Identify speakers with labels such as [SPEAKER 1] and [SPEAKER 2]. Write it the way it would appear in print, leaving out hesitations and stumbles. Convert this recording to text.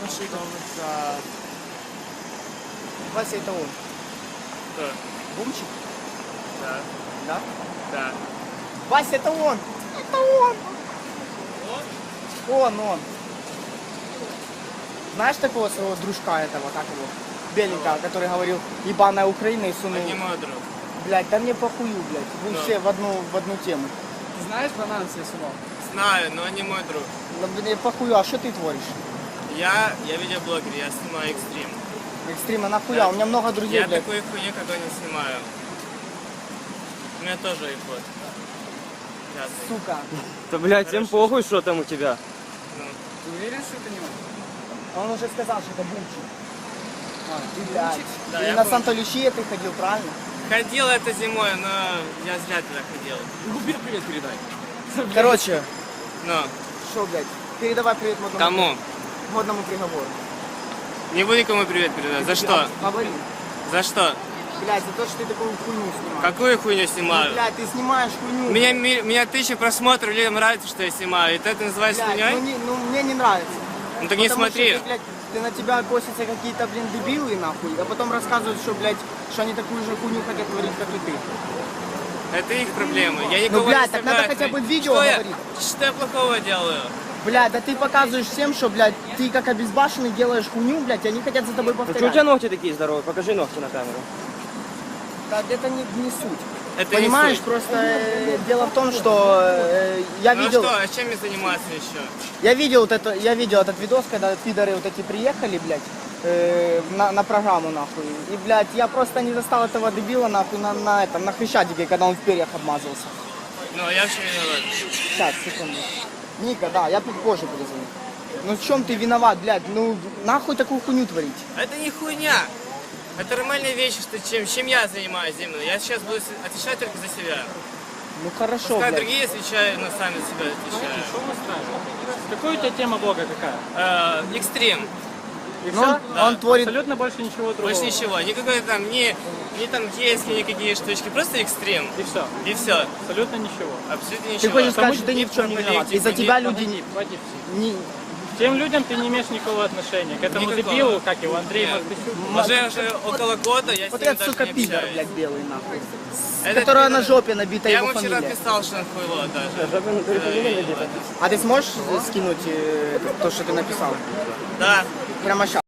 [SPEAKER 1] Вася, это он.
[SPEAKER 2] Кто?
[SPEAKER 1] Бумчик?
[SPEAKER 2] Да.
[SPEAKER 1] Да?
[SPEAKER 2] Да.
[SPEAKER 1] Вася, это он! Это он! Он. Знаешь такого своего дружка этого, как его? Беленького, который говорил, ебаная Украина и сунул.
[SPEAKER 2] Это не мой друг.
[SPEAKER 1] Блядь, да мне похую, блядь. Вы
[SPEAKER 2] Да.
[SPEAKER 1] все в одну тему.
[SPEAKER 3] Ты знаешь банан Сесунов?
[SPEAKER 2] Знаю, но не мой друг.
[SPEAKER 1] Да мне похую, а что ты творишь?
[SPEAKER 2] Я видеоблогер, я снимаю экстрим.
[SPEAKER 1] Экстрима нахуя? У меня много друзей,
[SPEAKER 2] Я
[SPEAKER 1] блядь.
[SPEAKER 2] такой хуйни какой не снимаю. У меня тоже iPod. Пятый.
[SPEAKER 1] Сука.
[SPEAKER 4] Да, блядь, всем
[SPEAKER 2] Хорошо.
[SPEAKER 4] похуй, что там у тебя.
[SPEAKER 2] Ну,
[SPEAKER 3] Ты уверен, что это не он?
[SPEAKER 1] Он уже сказал, что это Бумчик.
[SPEAKER 3] Ты
[SPEAKER 1] Блядь.
[SPEAKER 3] Бумчик?
[SPEAKER 2] Да,
[SPEAKER 1] Ты
[SPEAKER 2] я
[SPEAKER 1] на
[SPEAKER 2] помню.
[SPEAKER 1] Санта-Лючия ты ходил, правильно?
[SPEAKER 2] ходил это зимой, но я зря туда ходил.
[SPEAKER 3] Губер привет передай.
[SPEAKER 1] Короче,
[SPEAKER 2] Но
[SPEAKER 1] что, блядь, передавай привет модному,
[SPEAKER 2] кому?
[SPEAKER 1] модному приговору.
[SPEAKER 2] Не буду никому привет передавать. За что?
[SPEAKER 1] Говори.
[SPEAKER 2] За что?
[SPEAKER 1] Блядь, за то, что ты такую хуйню снимаешь.
[SPEAKER 2] Какую хуйню
[SPEAKER 1] Ну,
[SPEAKER 2] снимаю?
[SPEAKER 1] блядь, ты снимаешь хуйню.
[SPEAKER 2] Меня 1000 просмотров, людям нравится, что я снимаю. И это называется
[SPEAKER 1] Блядь,
[SPEAKER 2] хуйней?
[SPEAKER 1] мне не нравится.
[SPEAKER 2] Ну так не
[SPEAKER 1] Потому
[SPEAKER 2] смотри.
[SPEAKER 1] Что ты, блядь, ты на тебя косятся какие-то, блин, дебилы, нахуй, а потом рассказывают, что, блядь, что они такую же хуйню хотят творить, как и ты.
[SPEAKER 2] Это их проблемы. Я никого
[SPEAKER 1] блядь,
[SPEAKER 2] не
[SPEAKER 1] так
[SPEAKER 2] заставляю
[SPEAKER 1] надо хотя бы
[SPEAKER 2] творить.
[SPEAKER 1] видео
[SPEAKER 2] Что
[SPEAKER 1] говорить.
[SPEAKER 2] Что я плохого делаю?
[SPEAKER 1] Блядь, да ты показываешь всем, что, блядь, ты как обезбашенный делаешь хуйню, блядь, и они хотят за тобой
[SPEAKER 4] Ну что у
[SPEAKER 1] повторять.
[SPEAKER 4] тебя ногти такие здоровые? Покажи ногти на камеру.
[SPEAKER 1] Да, это не суть.
[SPEAKER 2] Это
[SPEAKER 1] Понимаешь,
[SPEAKER 2] не суть.
[SPEAKER 1] просто дело в том, что я
[SPEAKER 2] Ну
[SPEAKER 1] видел...
[SPEAKER 2] что, а чем мне заниматься еще?
[SPEAKER 1] Я видел этот видос, когда пидоры вот эти приехали, блядь, на программу, нахуй. И, блядь, я просто не застал этого дебила, нахуй, на Хрещатике, когда он в перьях обмазался.
[SPEAKER 2] Ну, я вообще виноват.
[SPEAKER 1] Сейчас, секунду. Ника, да, я позже перезвоню. Ну в чем ты виноват, блядь? Ну нахуй такую хуйню творить?
[SPEAKER 2] Это не хуйня. Это нормальная вещь, что чем я занимаюсь именно. Я сейчас буду отвечать только за себя.
[SPEAKER 1] Ну хорошо,
[SPEAKER 2] Пускай
[SPEAKER 1] блядь.
[SPEAKER 2] другие отвечают, но сами за себя отвечают.
[SPEAKER 3] Что мы ставим? Какая у тебя тема блога какая?
[SPEAKER 2] Экстрим.
[SPEAKER 3] И
[SPEAKER 1] Ну,
[SPEAKER 3] все?
[SPEAKER 1] он творит...
[SPEAKER 3] Абсолютно больше ничего другого.
[SPEAKER 2] Больше ничего. Никакой там, ни там гейские, никакие штучки. Просто экстрим.
[SPEAKER 3] И все.
[SPEAKER 2] И все.
[SPEAKER 3] Абсолютно ничего.
[SPEAKER 2] Абсолютно
[SPEAKER 1] Ты
[SPEAKER 2] ничего.
[SPEAKER 1] хочешь сказать, что ты
[SPEAKER 2] Ни
[SPEAKER 1] ни в чем не
[SPEAKER 2] про
[SPEAKER 1] виноват?
[SPEAKER 2] политику,
[SPEAKER 1] Из-за
[SPEAKER 2] ни-
[SPEAKER 1] тебя люди...
[SPEAKER 3] Погоди.
[SPEAKER 1] Не...
[SPEAKER 3] К тем людям ты не имеешь никакого отношения. К этому
[SPEAKER 2] Никакого.
[SPEAKER 3] дебилу, как его, Андрей
[SPEAKER 2] Нет.
[SPEAKER 3] Мартысюк.
[SPEAKER 2] Уже около года я
[SPEAKER 1] Вот
[SPEAKER 2] с ним
[SPEAKER 1] этот,
[SPEAKER 2] даже
[SPEAKER 1] сука,
[SPEAKER 2] не
[SPEAKER 1] пидор,
[SPEAKER 2] общаюсь.
[SPEAKER 1] блядь, белый, нахуй.
[SPEAKER 2] Этот
[SPEAKER 1] Которого
[SPEAKER 2] пидор-
[SPEAKER 1] на жопе набита
[SPEAKER 2] Я
[SPEAKER 1] его
[SPEAKER 2] ему вчера
[SPEAKER 1] фамилия.
[SPEAKER 2] писал, что он хуйло даже.
[SPEAKER 4] Жопа на фамилия набита.
[SPEAKER 1] А ты сможешь скинуть то, что ты написал?
[SPEAKER 2] Да.
[SPEAKER 1] Прямо сейчас.